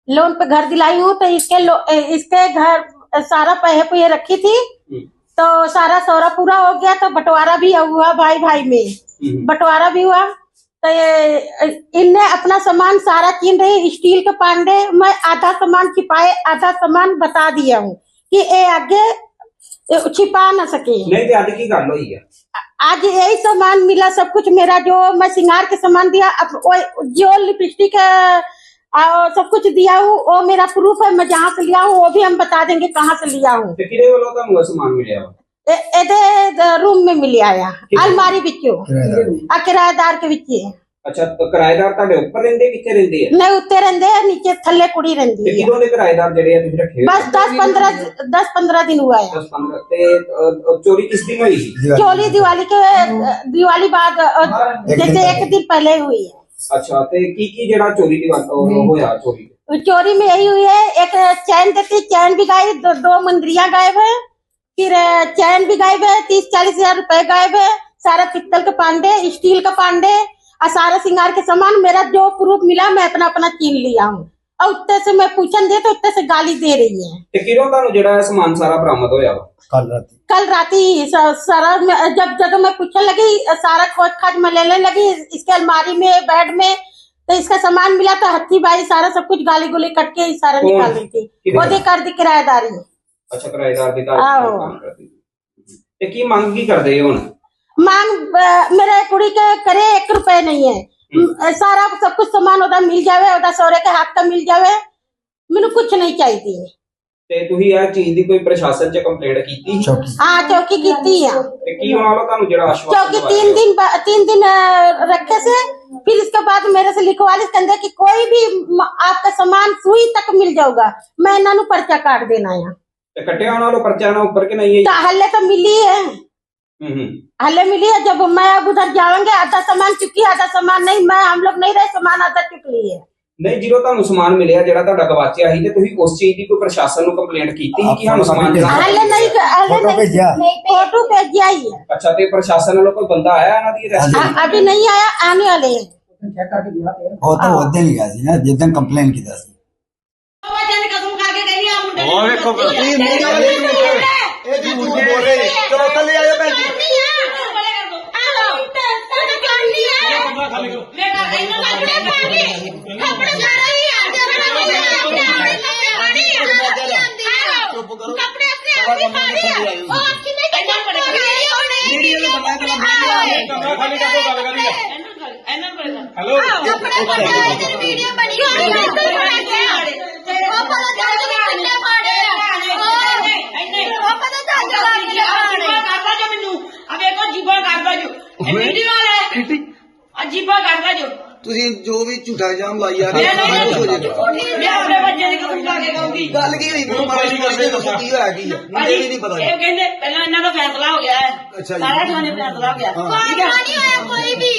Loan पे घर दिलाई हूँ, तो इसके घर सारा पैसे पुए रखी थी, तो सारा सौरा पूरा हो गया, तो बंटवारा भी हुआ भाई भाई में, बंटवारा भी हुआ। तो इनने अपना सामान सारा छीन रही, स्टील के पांडे मैं आधा सामान छिपाए, आधा सामान बता दिया हूँ कि ये आगे छिपा ना सके। नहीं तो आज की गल हुई है, आज यही सामान मिला, सब कुछ मेरा जो मैं श्रृंगार के सामान दिया, अब जो लिपस्टिक सब कुछ दिया हूँ वो मेरा प्रूफ है, मैं जहाँ से लिया हूँ वो भी हम बता देंगे कहाँ से लिया हूँ। सामान मिले रूम में मिल आया, अलमारी बिचो किराएदार के बिच। अच्छा, तो किराएदार ਤੁਹਾਡੇ ਉੱਪਰ ਰਹਿੰਦੇ ਕਿੱਥੇ ਰਹਿੰਦੇ ਆ? नहीं उत्ते रहंदे है, नीचे थल्ले कुड़ी रहंदी है। कितों ਦੇ किराएदार ਜਿਹੜੇ ਆ ਤੁਸੀਂ ਰੱਖੇ? बस 10-15 दिन हुआ है। 10-15 ਤੇ ਚੋਰੀ ਕਿਸ ਦਿਨ ਹੋਈ ਸੀ? चोरी दिवाली बाद जैसे एक दिन पहले हुई है। अच्छा, ਤੇ ਕੀ ਜਿਹੜਾ ਚੋਰੀ ਦੀ ਹੋਇਆ ਚੋਰੀ? चोरी में यही हुई है, एक चैन देती, चैन भी गायब, दो मुंदरियां गायब है, फिर चैन भी गायब है, 30-40 हजार रुपए गायब है, सारा पित्तल के पांडे, स्टील का पांडे और सारा श्रृंगार के सामान मेरा जो प्रूफ मिला मैं अपना अपना छीन लिया हूँ। और उत्ते से मैं पूछन दे तो उत्ते से गाली दे रही है। ਤੇ ਕਿਰੋਂ ਤੁਹਾਨੂੰ ਜਿਹੜਾ ਸਮਾਨ ਸਾਰਾ ਬਰਾਮਦ ਹੋਇਆ ਵਾ? कल राती सारा जब मैं पूछने लगी, सारा खोज खाज में लेने लगी, इसके अलमारी में बेड में, तो इसका सामान मिला तो हथी बाई सारा सब कुछ गाली गुली कट के सारा निकाल रही थी। वो कर दी किराएदारी। अच्छा, किराएदार ਦੀ काम करती ਤੇ ਕੀ ਮੰਗ ਕੀ ਕਰਦੇ ਹੋ ਹੁਣ? मांग मेरे कुड़ी के करे 1 रुपए नहीं है, सारा सब कुछ सामान ओदा मिल जावे, ओदा सौरे के हाथ का मिल जावे, मैंने कुछ नहीं चाहिए। ਤੇ ਤੁਸੀਂ ਇਹ ਚੀਜ਼ ਦੀ ਕੋਈ ਪ੍ਰਸ਼ਾਸਨ 'ਚ ਕੰਪਲੇਂਟ ਕੀਤੀ? हाँ चौकी की है। ਤੇ ਕੀ ਉਹਨਾਂ ਵੱਲੋਂ ਤੁਹਾਨੂੰ ਜਿਹੜਾ ਆਸ਼ਵਾसन चौकी 3 दिन रखे से, फिर इसके बाद मेरे से लिखवा ली कहते कि कोई भी आपका सामान सुई तक मिल जाऊगा, मैं इन्होंने पर्चा काट देना है। ਤੇ ਕੱਟਿਆ ਉਹਨਾਂ ਵੱਲੋਂ ਪਰਚਾ ਨਾ ਉੱਪਰ ਕਿ ਨਹੀਂ ਹੈ? तो हल्ले तो मिली है, हल्ले मिली है। जब मैं अब उधर जाऊंगे आधा सामान चुकी, आधा सामान नहीं, मैं हम लोग नहीं रहे, सामान आधा चुक ली है। ਨਹੀਂ, ਜਦੋਂ ਤੁਹਾਨੂੰ ਸਮਾਨ ਮਿਲਿਆ ਜਿਹੜਾ ਤੁਹਾਡਾ ਗਵਾਚਿਆ ਸੀ, ਤੇ ਤੁਸੀਂ ਉਸ ਚੀਜ਼ ਦੀ ਕੋਈ ਪ੍ਰਸ਼ਾਸਨ ਨੂੰ ਕੰਪਲੇਂਟ ਕੀਤੀ ਕਿ ਸਾਨੂੰ ਸਮਾਨ ਜਿਹੜਾ? हल्ले नहीं, फोटो भेजिया ही है। ਅੱਛਾ, ਤੇ ਪ੍ਰਸ਼ਾਸਨ ਵੱਲੋਂ ਕੋਈ ਬੰਦਾ ਆਇਆ ਇਹਨਾਂ ਦੀ ਅਰੈਸਟ? अभी नहीं आया, आने वाले हैं। ਉਹ ਤਾਂ ਉਦੋਂ ਹੀ ਗਿਆ ਸੀ ਨਾ ਜਿੱਦਾਂ ਕੰਪਲੇਨ ਕੀਤਾ ਸੀ। ਉਹ ਵੇਖੋ ਇਹ ਝੂਠ ਬੋਲ ਰਹੇ। ਚਲੋ ਥੱਲੇ ਆਇਓ ਭੈਣ ਜੀ। अजीबा करता जो ਤੁਸੀਂ ਜੋ ਵੀ ਝੂਠਾ ਇਲਜ਼ਾਮ ਲਾਈ ਜਾ ਰਹੇ मैं अपने बच्चे की कसम खा के कहूंगी। ਗੱਲ ਕੀ ਹੋਈ ਮੈਨੂੰ ਮਾਰੀ ਦੱਸੋ ਕੀ ਹੋਇਆ ਕੀ ਹੈ ਮੈਨੂੰ ਇਹ ਨਹੀਂ ਪਤਾ। ਇਹ ਕਹਿੰਦੇ ਪਹਿਲਾਂ ਇਹਨਾਂ ਦਾ ਫੈਸਲਾ ਹੋ ਗਿਆ ਹੈ, ਅੱਛਾ ਜੀ। ਸਾਰਾ ਥਾਣੇ ਫੈਸਲਾ ਹੋ ਗਿਆ। ਠੀਕ ਹੈ, ਕੋਈ ਵੀ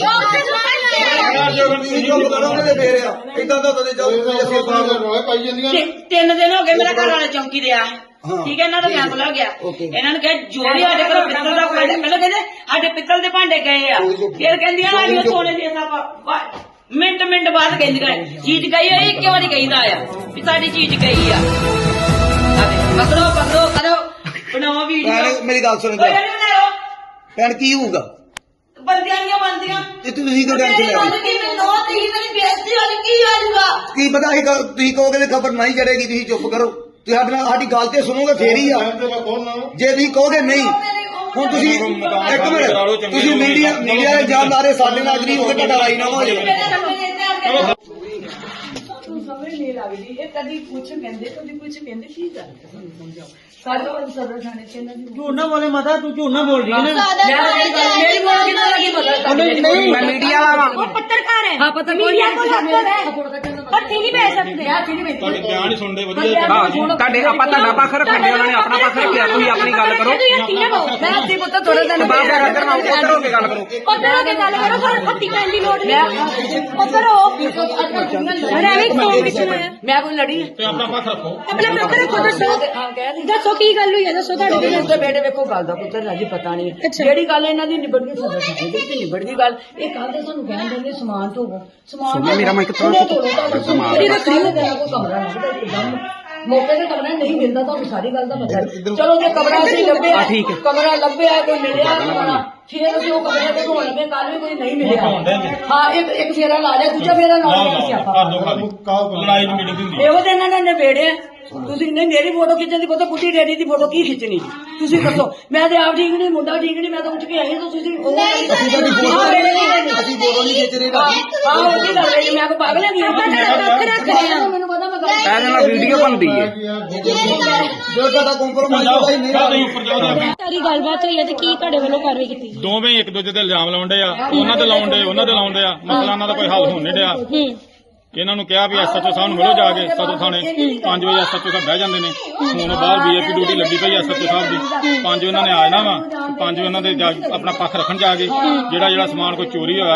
ਤੁਸੀਂ ਚੁੱਪ ਕਰੋਗੇ ਤੇ ਫੇਰ ਆ ਇਦਾਂ ਤਾਂ ਤੁਹਾਡੇ ਜਾਓ ਅਸੀਂ ਪਾਈ ਜਾਂਦੀਆਂ 3 ਦਿਨ ਹੋ ਗਏ ਮੇਰਾ ਘਰ ਵਾਲਾ ਚੌਂਕੀ ਤੇ ਆ। ਠੀਕ ਹੈ, ਇਹਨਾਂ ਦਾ ਫੈਸਲਾ ਹੋ ਗਿਆ। ਇਹਨਾਂ ਨੇ ਕਿਹਾ ਜੋ ਵੀ ਸਾਡੇ ਕੋਲ ਪਿੱਤਲ ਦਾ ਭਾਂਡੇ, ਪਹਿਲਾਂ ਕਹਿੰਦੇ ਸਾਡੇ ਪਿੱਤਲ ਦੇ ਭਾਂਡੇ ਗਏ ਆ, ਫਿਰ ਕਹਿੰਦੀਆਂ ਨਾ ਸੋਨੇ ਦੀ ਮਿੰਟ ਬਾਅਦ ਕਹਿੰਦੀਆਂ ਚੀਜ਼ ਗਈ ਹੈ, ਇੱਕ ਵਾਰੀ ਕਹਿੰਦਾ ਆ ਵੀ ਸਾਡੀ ਚੀਜ਼ ਗਈ ਆ। ਪਕੜੋ ਕਰੋ ਬਣਾਓ ਵੀਡੀਓ। ਮੇਰੀ ਗੱਲ ਸੁਣੋ ਭੈਣ, ਕੀ ਹੋਊਗਾ? ਬੰਦਿਆਂ ਤੇ ਤੁਸੀਂ ਕਿਉਂ ਟੈਨਸ਼ਨ ਲੈ ਰਹੇ? ਕੀ ਪਤਾ ਤੁਸੀਂ ਕਹੋਗੇ ਤੇ ਖਬਰ ਨਹੀਂ ਚੜੇਗੀ। ਤੁਸੀਂ ਚੁੱਪ ਕਰੋ, ਤੁਸੀਂ ਸਾਡੀ ਗੱਲ ਤੇ ਸੁਣੋਗੇ ਫੇਰ ਹੀ ਆ। ਜੇ ਤੁਸੀਂ ਕਹੋਗੇ ਨਹੀਂ, ਹੁਣ ਤੁਸੀਂ ਇੱਕ ਮਿੰਟ, ਤੁਸੀਂ ਮੀਡੀਆ ਦੇ ਇਲਜ਼ਾਮ ਲਾ ਰਹੇ ਸਾਡੇ ਨਾਲ ਗਰੀਬ ਤੇ ਤੁਹਾਡਾ ਰਾਜੀਨਾਮਾ ਹੋ ਜਾਏਗਾ। ਸਮਝ ਨਹੀਂ ਲੱਗਦੀ ਇਹ ਕਦੀ ਕੁਛ ਕਹਿੰਦੇ ਕਦੀ ਕੁਛ ਕਹਿੰਦੇ ਕੀ ਗੱਲ ਸਾਨੂੰ ਸਮਝਾਓ। ਸਾਡੇ ਕੋਲ ਸਦਰ ਥਾਣੇ ਚ ਇਹਨਾਂ ਦੀ ਝੂਠ ਨਾ ਬੋਲੇ ਮਾਤਾ, ਤੂੰ ਝੂਠ ਨਾ ਬੋਲ ਰਹੀ ਹੈ ਨਾ। ਮੇਰੀ ਬੋਲ ਕਿਦਾਂ ਲੱਗੀ ਪਤਾ ਨਹੀਂ, ਮੈਂ ਮੀਡੀਆ ਵਾਲਾ ਉਹ ਪੱਤਰਕਾਰ ਹੈ। ਹਾਂ ਪਤਾ ਕੋਈ ਨਹੀਂ ਪੱਤੀ ਨਹੀਂ ਭੇਜ ਸਕਦੇ ਯਾਰ, ਨਹੀਂ ਭੇਜ ਤੁਹਾਡੇ ਬਿਆਨ ਹੀ ਸੁਣਦੇ ਵਧੀਆ। ਤੁਹਾਡੇ ਆਪਾਂ ਤੁਹਾਡਾ ਪੱਖ ਰੱਖਾਂਗੇ, ਉਹਨਾਂ ਨੇ ਆਪਣਾ ਪੱਖ ਰੱਖਿਆ, ਤੁਸੀਂ ਆਪਣੀ ਗੱਲ ਕਰੋ। ਮੈਂ ਅੱਧੀ ਪੁੱਤ ਥੋੜਾ ਦਿਨ ਬਾਬਾ ਰਾਜਰ ਨਾਲ ਉੱਧਰ ਹੋ ਕੇ ਗੱਲ ਕਰੋ, ਪੱਤਰ ਹੋ ਕੇ ਗੱਲ ਕਰੋ। ਪਰ ਪੱਤੀ ਪੈਣ ਦੀ ਲੋੜ ਨਹੀਂ, ਪੱਤਰ ਹੋ ਅਰੇ ਐਵੇਂ ਕੌਣ ਕਿਸੇ ਨੂੰ ਮੈਂ ਕੋਈ ਲੜੀ ਤੇ ਆਪਣਾ ਪੱਖ ਰੱਖੋ। ਆਪਣਾ ਪੱਤਰ ਰੱਖੋ। ਦੱਸੋ ਕੀ ਗੱਲ ਹੋਈ ਹੈ, ਦੱਸੋ। ਤੁਹਾਡੇ ਬੇਟੇ ਵੇਖੋ ਗੱਲ ਦਾ ਪੁੱਤਰ ਰਾਜੀ ਪਤਾ ਨਹੀਂ ਹੈ ਜਿਹੜੀ ਗੱਲ ਇਹਨਾਂ ਦੀ ਨਿਬੜ ਗਈ ਨਿਬੜ ਗਈ ਗੱਲ। ਇਹ ਕੱਲ ਤੇ ਸਾਨੂੰ ਕਹਿਣ ਦਿੰਦੇ ਸਮਾਨ ਧੋਵੋ, ਸਮਾਨ ਮੇਰਾ ਮੈਂ ਕਿੱਥੋਂ ਸਮਾਨ ਇਹਦੀ ਰੱਖੜੀ ਹੋ ਗਿਆ ਕੋਈ ਕਮਰਾ ਲੱਗਦਾ ਇੱਕਦਮ ਮੌਕੇ ਤੇ ਕਮਰਾ ਨਹੀਂ ਮਿਲਦਾ ਤੁਹਾਨੂੰ ਸਾਰੀ ਗੱਲ ਦਾ ਪਤਾ ਹੈ। ਚਲੋ ਜੇ ਕਮਰਾ ਅਸੀਂ ਲੱਭਿਆ ਕਮਰਾ ਲੱਭਿਆ ਕੋਈ ਮਿਲਿਆ ਕਮਰਾ ਫਿਰ ਅਸੀਂ ਉਹ ਕਮਰੇ ਤੇ ਢੋਣ ਲੱਗੇ ਕੱਲ ਵੀ ਕੋਈ ਨਹੀਂ ਮਿਲਿਆ ਹਾਂ ਇੱਕ ਫੇਰਾ ਲਾ ਲਿਆ ਦੂਜਾ ਫੇਰਾ ਲਾ ਲਿਆ ਸਿਆਪਾ ਲੜਾਈ ਦੀ ਮੀਟਿੰਗ ਹੁੰਦੀ ਇਹੋ ਤੇ ਇਹਨਾਂ ਨੇ ਨਿਬੇੜਿਆ ਤੁਸੀਂ ਨਹੀਂ ਮੇਰੀ ਫੋਟੋ ਖਿੱਚਣ ਦੀ ਕੋਈ ਬੁੱਢੀ ਡੈਡੀ ਦੀ ਫੋਟੋ ਕੀ ਖਿੱਚਣੀ ਤੁਸੀਂ ਦੱਸੋ ਮੈਂ ਤੇ ਆਪ ਠੀਕ ਨਹੀਂ ਮੁੰਡਾ ਠੀਕ ਨਹੀਂ ਮੈਂ ਤਾਂ ਉੱਠ ਕੇ ਆਈ ਤਾਂ ਤੁਸੀਂ ਉਹ ਅਸੀਂ ਫੋਟੋ ਨਹੀਂ ਖਿੱਚ ਰਹੇ ਹਾਂ ਉਹਦੀ ਗੱਲ ਹੈ ਮੈਂ ਕੋ ਪਾਗਲ ਹੈਗੀ ਆ ਮੈਨੂੰ ਪਤਾ ਮੈਂ ਗੱਲ ਇਹਦੇ ਨਾਲ ਵੀਡੀਓ ਬਣਦੀ ਹੈ ਜੋ ਤੁਹਾਡਾ ਕੰਪਰੋਮਾਈਜ਼ ਹੋਗਾ ਹੀ ਨਹੀਂ ਤੁਸੀਂ ਉੱਪਰ ਜਾਓ ਸਾਰੀ ਗੱਲਬਾਤ ਹੋਈ ਹੈ ਤੇ ਕੀ ਤੁਹਾਡੇ ਵੱਲੋਂ ਕਾਰਵਾਈ ਕੀਤੀ ਦੋਵੇਂ ਇੱਕ ਦੂਜੇ ਤੇ ਇਲਜ਼ਾਮ ਲਾਉਂਦੇ ਆ ਉਹਨਾਂ ਤੇ ਲਾਉਂਦੇ ਆ ਮਸਲਾ ਉਹਨਾਂ ਦਾ ਕੋਈ ਹੱਲ ਹੋਣ ਨਹੀਂ ਡਿਆ ਇਹਨਾਂ ਨੂੰ ਕਿਹਾ ਵੀ ਐਸਐਚਓ ਸਾਹਿਬ ਨੂੰ ਮਿਲੋ ਜਾ ਕੇ ਸਦੋ ਥਾਣੇ 5 ਵਜੇ ਐਸਐਚਓ ਸਾਹਿਬ ਬਹਿ ਜਾਂਦੇ ਨੇ ਹੁਣ ਬਾਹਰ ਵੀਆਈਪੀ ਡਿਊਟੀ ਲੱਗੀ ਪਈ ਐਸਐਚਓ ਸਾਹਿਬ ਦੀ 5 ਉਹਨਾਂ ਨੇ ਆ ਜਾਣਾ ਵਾ 5 ਉਹਨਾਂ ਦੇ ਆਪਣਾ ਪੱਖ ਰੱਖਣ ਜਾ ਕੇ ਜਿਹੜਾ ਸਮਾਨ ਕੋਈ ਚੋਰੀ ਹੋਇਆ